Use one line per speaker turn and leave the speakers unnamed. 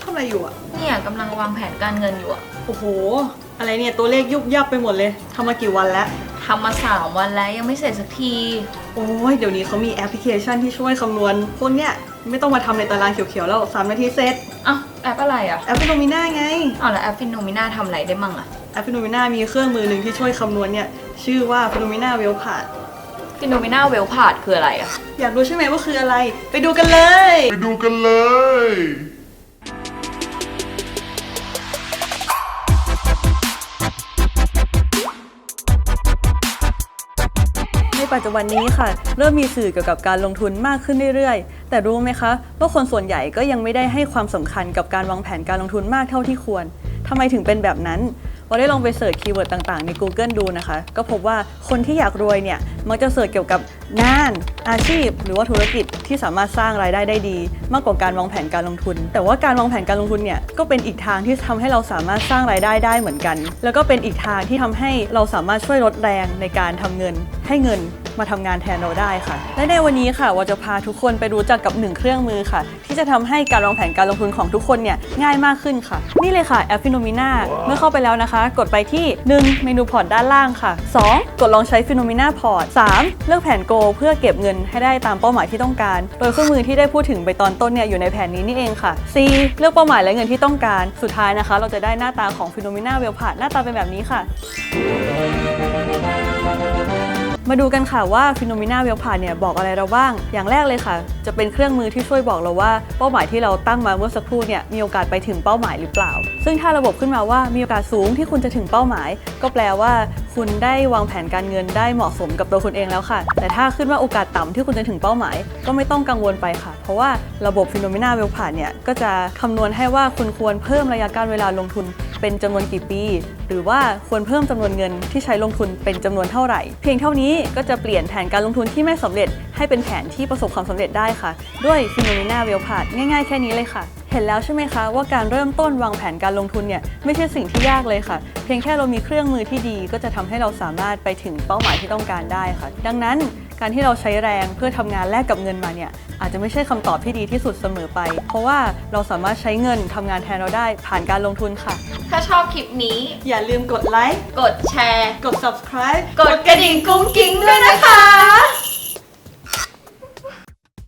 ทำอะไรอยู่อะ
เนี่ยกำลังวางแผนการเงินอยู่อะ
โอ้โหอะไรเนี่ยตัวเลขยุบยับไปหมดเลยทำมากี่วันแล้ว
ทำมา3 วันแล้วยังไม่เสร็จสักที
โอ้ยเดี๋ยวนี้เขามีแอปพลิเคชันที่ช่วยคำนวณพวกเนี้ยไม่ต้องมาทำในตารางเขียวๆแล้ว3 นาทีเสร็จ
อ้าวแอปอะไรอะ
แอปฟิโนมิน่าไง
อ้าวแล้วแอปฟิโนมิน่าทำอะไรได้มั่งอะ
แอปฟิโนมิน่ามีเครื่องมือหนึ่งที่ช่วยคำนวณเนี่ยชื่อว่าฟิโนมิน่าเวลพาด
ฟิโนมิน่าเวลพาดคืออะไรอะ
อยากรู้ใช่ไหมว่าคืออะไรไปดูกันเลย
ไปดูกันเลย
ในปัจจุบันนี้ค่ะเริ่มมีสื่อเกี่ยวกับการลงทุนมากขึ้นเรื่อยๆแต่รู้ไหมคะว่าคนส่วนใหญ่ก็ยังไม่ได้ให้ความสำคัญกับการวางแผนการลงทุนมากเท่าที่ควรทำไมถึงเป็นแบบนั้นเราได้ลองไปเสิร์ชคีย์เวิร์ดต่างๆใน Google ดูนะคะก็พบว่าคนที่อยากรวยเนี่ยมักจะเสิร์ชเกี่ยวกับงานอาชีพหรือว่าธุรกิจที่สามารถสร้างรายได้ได้ดีมากกว่าการวางแผนการลงทุนแต่ว่าการวางแผนการลงทุนเนี่ยก็เป็นอีกทางที่ทำให้เราสามารถสร้างรายได้ได้เหมือนกันแล้วก็เป็นอีกทางที่ทำให้เราสามารถช่วยลดแรงในการทำเงินให้เงินมาทำงานแทนเราได้ค่ะและในวันนี้ค่ะว่าจะพาทุกคนไปรู้จักกับ1เครื่องมือค่ะที่จะทำให้การวางแผนการลงทุนของทุกคนเนี่ยง่ายมากขึ้นค่ะนี่เลยค่ะแอปฟิโนมิน่าเมื่อเข้าไปแล้วนะคะกดไปที่1เมนูพอร์ตด้านล่างค่ะ2กดลองใช้ฟิโนมิน่าพอร์ต3เลือกแผนโกเพื่อเก็บเงินให้ได้ตามเป้าหมายที่ต้องการโดยเครื่องมือที่ได้พูดถึงไปตอนต้นเนี่ยอยู่ในแผนนี้นี่เองค่ะ C เลือกเป้าหมายและเงินที่ต้องการสุดท้ายนะคะเราจะได้หน้าตาของฟิโนมิน่าเวลพาร์ตหน้าตาเป็นแบบนี้ค่ะมาดูกันค่ะว่าฟิโนมิน่าเวลพาร์ตเนี่ยบอกอะไรเราบ้างอย่างแรกเลยค่ะจะเป็นเครื่องมือที่ช่วยบอกเราว่าเป้าหมายที่เราตั้งมาเมื่อสักครู่เนี่ยมีโอกาสไปถึงเป้าหมายหรือเปล่าซึ่งถ้าระบบขึ้นมาว่ามีโอกาสสูงที่คุณจะถึงเป้าหมายก็แปลว่าคุณได้วางแผนการเงินได้เหมาะสมกับตัวคุณเองแล้วค่ะแต่ถ้าขึ้นว่าโอกาสต่ำที่คุณจะถึงเป้าหมายก็ไม่ต้องกังวลไปค่ะเพราะว่าระบบฟิโนมิน่าเวลพาร์ตเนี่ยก็จะคำนวณให้ว่าคุณควรเพิ่มระยะการเวลาลงทุนเป็นจำนวนกี่ปีหรือว่าควรเพิ่มจำนวนเงินที่ใช้ลงทุนเป็นจำนวนเท่าไหร่เพียงเท่านี้ก็จะเปลี่ยนแผนการลงทุนที่ไม่สำเร็จให้เป็นแผนที่ประสบความสำเร็จได้ค่ะด้วยฟิโนมิน่าเวลพาร์ตง่ายๆแค่นี้เลยค่ะเห็นแล้วใช่ไหมคะว่าการเริ่มต้นวางแผนการลงทุนเนี่ยไม่ใช่สิ่งที่ยากเลยค่ะเพียงแค่เรามีเครื่องมือที่ดีก็จะทำให้เราสามารถไปถึงเป้าหมายที่ต้องการได้ค่ะดังนั้นการที่เราใช้แรงเพื่อทำงานแลกกับเงินมาเนี่ยอาจจะไม่ใช่คำตอบที่ดีที่สุดเสมอไปเพราะว่าเราสามารถใช้เงินทำงานแทนเราได้ผ่านการลงทุนค่ะ
ถ้าชอบคลิปนี้
อย่าลืมกดไลค์
กดแชร์
กด subscribe
กดกระดิ่งกุ้งกิ้งด้วยนะคะ